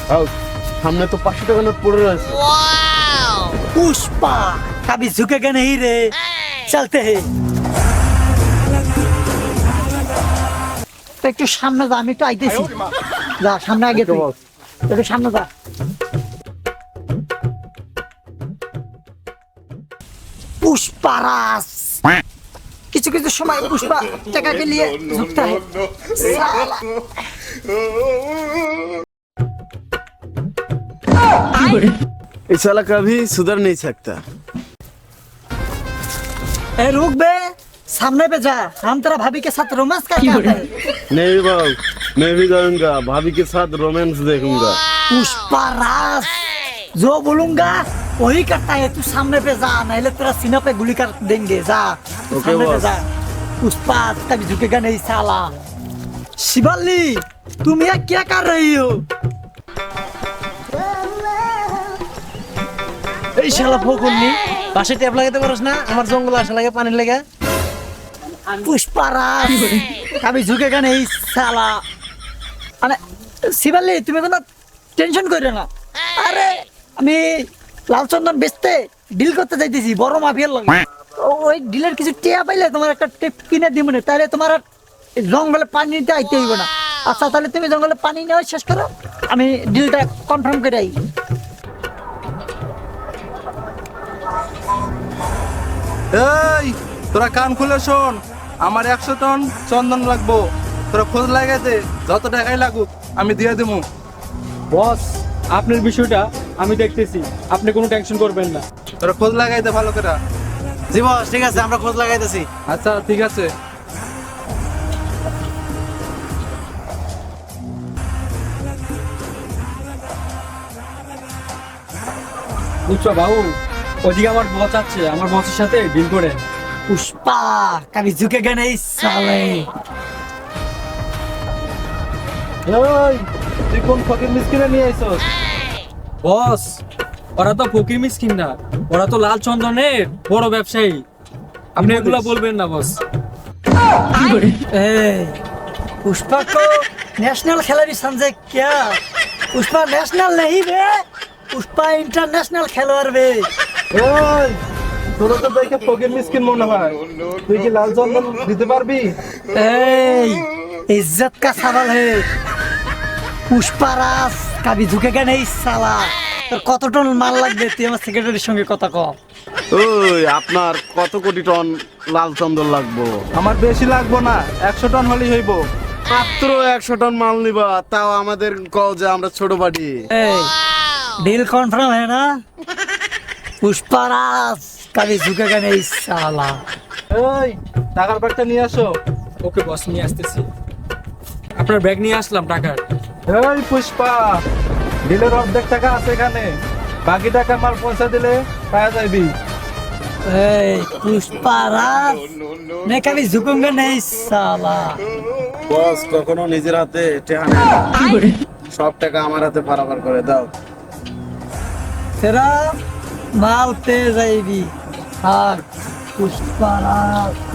आओ, सामने तो 500 টাকা নোট পড়ে রয়েছে। पुष्पा कभी झुकेगा नहीं रे चलते हैं তো একটু সামনে যা আমি একটু আইতেছি যা সামনে আগে তুই একটু সামনে যা पुष्पाराज কিছু কিছু সময় पुष्पा টাকা के लिए झुकता है साला ये साला कभी सुधर नहीं सकता। ए रुक बे सामने पे जा हम तेरा भाभी के साथ रोमांस करके आते हैं नहीं बाबू, मैं भी जाऊंगा, भाभी के साथ रोमांस देखूंगा। पुष्पाराज जो बोलूंगा वही करता है तू सामने पे जा नहीं तेरा सीना पे गोली कर देंगे जा तू ओके, सामने पे बॉस। जा पुष्पा कभी झुकेगा नहीं साला शिवाली तुम यहाँ क्या कर रही हो এই শালা ফকুন্নি পাশে ট্যাপ লাগাতে পারছ না আমার জঙ্গল আসা লাগে পানির লাগা पुष्पाराज कभी झुकेगा नहीं साला মানে শিবালি তুমি কোনো টেনশন করো না আরে আমি লালচন্দন বেচতে ডিল করতে যাইতেছি বড় মাফিয়ার লাগে ওই ডিলের কিছু টিয়া পাইলে তোমার একটা টেপ কিনে দিব না তাহলে তোমার আর এই জঙ্গলে পানি নিতে আইতে হইব না আচ্ছা তাহলে তুমি জঙ্গলে পানি নেওয়া শেষ করো আমি ডিলটা কনফার্ম করে আই এই তোরা কান খুলে শোন আমার 100 টন চন্দন লাগবো তোরা খোঁজ লাগাইতে যত টাকাই লাগুক আমি দিয়ে দেবো বস আপনার বিষয়টা আমি দেখতেছি আপনি কোনো টেনশন করবেন না তোরা খোঁজ লাগাইতে ভালো করে জি বস ঠিক আছে আমরা খোঁজ লাগাইতেছি আচ্ছা ঠিক আছে বুঝছো বাবু ওদিকে আমার বস আছে আমার বসের সাথে ডিল করে पुष्पा कभी झुकेगा नहीं साले এই তুই কোন ফকির মিসকিনে নিয়ে আইছস বস ওরা তো ফকির মিসকিন না ওরা তো লাল চন্দনের বড় ব্যবসায়ী আপনি এগুলা বলবেন না বস ए, पुष्पा को नेशनल खिलाड़ी समझे क्या पुष्पा नेशनल नहीं बे पुष्पा इंटरनेशनल खिलाड़ी बे এই তোরা তো দেখে ফকির মিসকিন মনে হয় তুই কি লাল চন্দন দিতে পারবি ए, इज्जत का सवाल है पुष्पा राज कभी झुकेगा नहीं साला তোর কত টন মাল লাগবে তুই আমার সেক্রেটারির সঙ্গে কথা কও ওই আপনার কত কোটি টন লাল চন্দন লাগবো? আমার বেশি লাগবো না 100 টন হলেই হইব মাত্র 100 টন মাল নিবা, তাও আমাদের কও যে আমরা ছোট বাড়ি। ए, डील कन्फर्म है ना पुष्पा राज कभी झुकेगा नहीं साला এই টাকার ব্যাগটা নিয়ে আসো ওকে বস নিয়ে আসতেছি আপনার ব্যাগ নিয়ে আসলাম টাকার এই পুষ্পা ডিলের অর্ধেক টাকা আছে এখানে বাকি টাকা মাল পয়সা দিলে পাওয়া যাবি ए, पुष्पा राज मैं कभी झुकूंगा नहीं साला বস কখনো নিজের হাতে টাকা নেয় না। সব টাকা আমার হাতে বরাবর করে দাও। तेरा माल पे जाएगी हाँ पुष्पा राज